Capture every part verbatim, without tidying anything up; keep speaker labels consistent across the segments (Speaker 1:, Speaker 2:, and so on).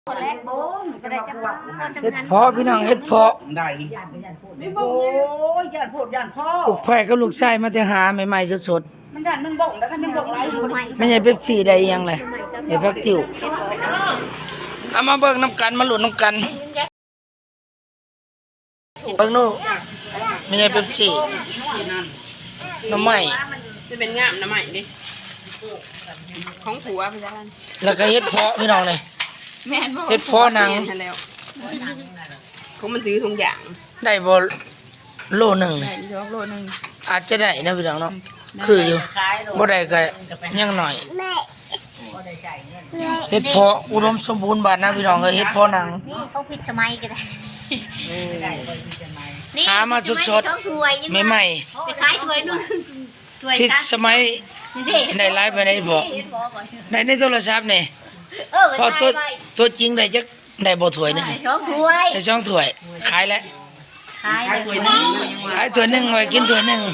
Speaker 1: เฮ็ดเพาะพี่น้องเฮ็ดเพาะ
Speaker 2: ได้โอ้ยย่านโพดย่านพ่อ
Speaker 1: ลูกไผ่กับลูกชายมาแต่หาใหม่ๆสด
Speaker 2: ๆมันย่านมันบ่งแล้วกันมันบ่งไร
Speaker 1: ๆไม่ใช่เป๊ปซี่ได้ยังเลยไอ้พักติ๋วเอามาเบิ่งน้ำกันมาหลุดน้ำกันเบิ่งนู่นไม่ใช่เป๊ปซี่น้ำใหม่
Speaker 3: จะเป็นงามน้ำใหม่ดิของผัวพี่จ้า
Speaker 1: แล้วก็เฮ็ดเพาะพี่น้องเลยเฮ็ดเพาะหนัง
Speaker 3: เขามันซื้อทุกอย่าง
Speaker 1: ได้บ่โลหนึ่ง
Speaker 3: ได้ยกโลนึง
Speaker 1: อาจจะได้นะพี่น้องเนาะคืออยู่บ่ได้ก็ยังหน่อยเฮ็ดเพาะอุดมสมบูรณ์บาดนะพี่น้องเอ้ยเฮ็ดเพาะหนัง
Speaker 4: นี่เขาผิดสมัยก็ได้
Speaker 1: หามาสดๆใหม่
Speaker 4: ๆไปขายถ้วยนึงถ้วย
Speaker 1: ๆผิดสมัยได้ไลฟ์ไปได้บ่ได้ในโทรศัพท์นี่พอตัวตัวจริงได้จักได้บ่ถ้วยนึง
Speaker 4: สองถ้วย
Speaker 1: ได้สองถ้วยขายแล้ว
Speaker 4: ขายถ้วยนึง
Speaker 1: ขายถ้วยนึงไว้กินถ้วยนึง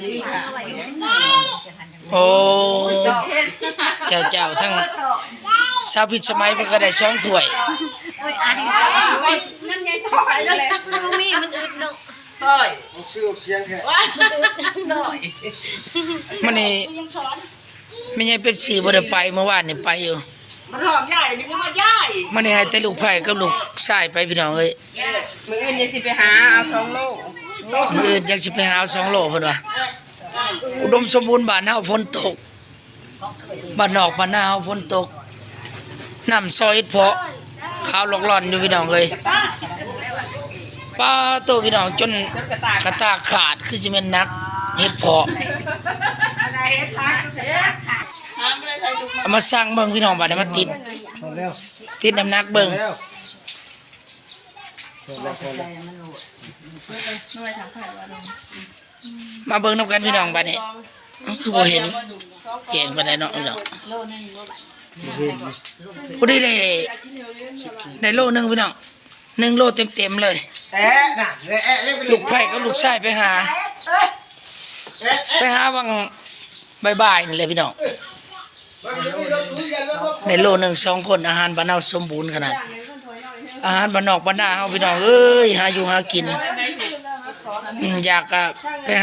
Speaker 1: โอ้เจ้าเจ้าทั้งชาวพิษสมัยมันก็ได้สองถ้วย
Speaker 4: โอ้ยอายนั่นใหญ่ถอยเลยมันมีมันอึดเนาะ
Speaker 2: ถอย
Speaker 5: ชื่อเสียงแค่
Speaker 2: ถอย
Speaker 1: มันนี่ไม่ใช่เป๊ปซี่บ่ได้ไปเมื่อวานนี่ไปอยู่
Speaker 2: มันหอมใหญ่นี่ก็มาใหญ่
Speaker 1: มันนี่ให้แต่ลูกไผ่กับลูกชายไปพี่น้องเอ้ย
Speaker 3: มื้ออื่นจะสิไปหาเอาสองโล
Speaker 1: มื้ออื่นอยากสิไปหาสองโลเพิ่นว่าอุดมสมบูรณ์บ้านเฮาฝนตกบ้านนอกบ้านนาเฮาฝนตกน้ำซอยเพาะขาวหลอกหล่อนอยู่พี่น้องเอ้ยป้าโตพี่น้องจนกระตาขาดคือสิแม่นนักเฮ็ดเพาะเอามาสร้างเบิ่งพี่น้องบัดนี้มาติดติดน้ำหนักเบิ่งมาเบิ่งนำกันพี่น้องบัดนี้คือบ่เห็นเก่งปานใดเนาะพี่น้องบ่ได้ได้ได้โลนึงพี่น้องหนึ่งโลเต็มๆเลย
Speaker 5: แอะน่ะแอะเล่นไป
Speaker 1: ลูกไผ่กับลูกชายไปหาไปหาวังบ่ายๆนี่แหละพี่น้องในโลหนึ่งสองคนอาหารบ้านเฮาสมบูรณ์ขนาดอาหารบ้านนอกบ้านนาเฮาพี่น้องเอ้ยหาอยู่หากินอยากก็ไป